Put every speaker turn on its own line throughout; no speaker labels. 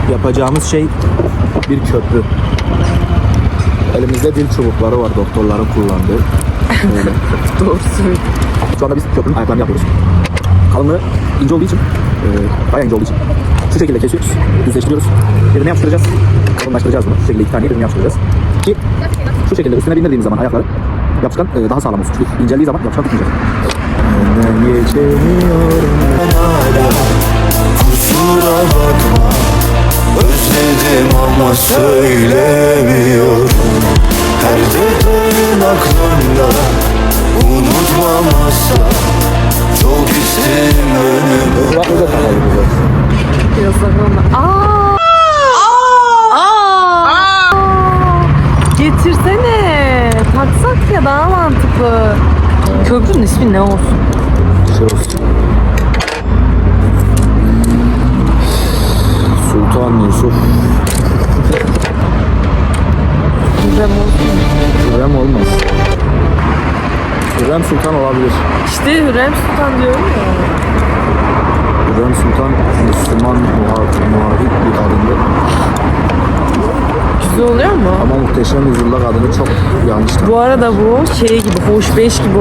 Yapacağımız şey bir köprü. Elimizde dil çubukları var, doktorların kullandığı. Böyle.
Doğru söylüyorsun.
Şu anda biz köprünün ayaklarını yapıyoruz. Kalınlığı ince olduğu için, bayağı ince olduğu için şu şekilde kesiyoruz, düzleştiriyoruz. Birbirine yapıştıracağız, kalınlaştıracağız bunu. Şu şekilde iki taneyi birbirine yapıştıracağız. Ki şu şekilde üstüne bindirdiğimiz zaman ayakları yapışkan daha sağlam olsun. Çünkü inceldiği zaman yapışkan tutmayacak.
Kusura bakma, özledim ama söylemiyorum. Her detayın aklımda, unutmam asla. Çok isterim önümü.
Yasaklanma. Getirsene. Taksak ya daha mantıklı. Köprünün ismi ne olsun?
Şey olsun. Sultan Yusuf.
Hürrem olsun.
Hürrem olmaz. Hürrem Sultan olabilir.
İşte Hürrem Sultan diyorum ya.
Hürrem Sultan Müslüman muhafit bir adımdı.
Güzel oluyor mu?
Ama Muhteşem Yüzyıllar adını çok yanlış.
Bu arada bu şey gibi, hoş beş gibi.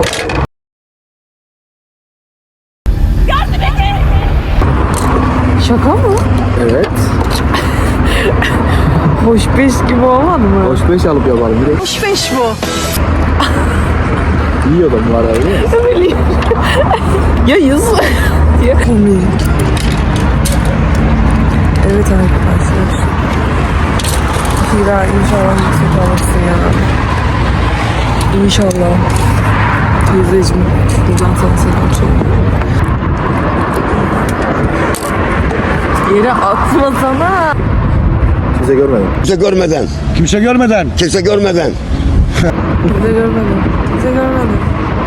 Şaka mı?
Evet.
Hoş beş gibi olmadı mı?
Hoş beş alıp yapalım. Bir de
Hoş beş bu.
yiyordum var abi.
Öyle. Ya yüz. Ya komik. Evet arkadaşlar. Hira inşallah yüksek alırsın ya. İnşallah. Teyzeciğim buradan sana selam söylüyorum. Yere atmasana.
Kimse görmedi.
Kimse görmeden,
Kimse görmeden.
kimse görmeden.
Bize görmedim. Bize görmedim.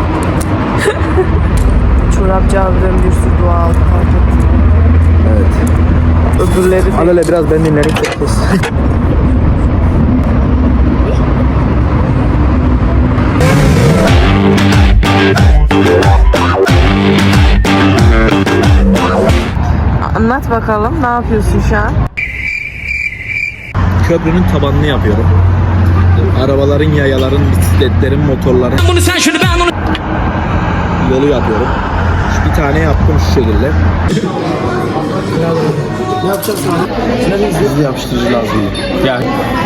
Çorapçı abiden bir sürü dua aldı. Fark ettim.
Evet.
Öbürleri de.
Alele biraz ben dinlerim.
Anlat bakalım. Ne yapıyorsun şu an?
Köprünün tabanını yapıyorum. Arabaların, yayaların, bisikletlerin, motorların.
Bunu sen şunu ben onu.
Yolu yapıyorum. Bir tane yaptım şu şekilde. Ne yapacaksın abi? Hızlı yapıştırıcı lazım. Yani.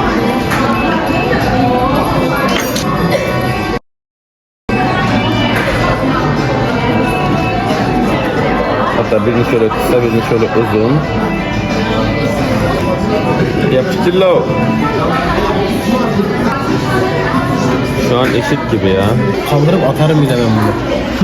Hatta birini şöyle kısa, birini şöyle uzun. Yapıştır lo. Şu an eşit gibi ya.
Kaldırıp atarım bir de ben bunu.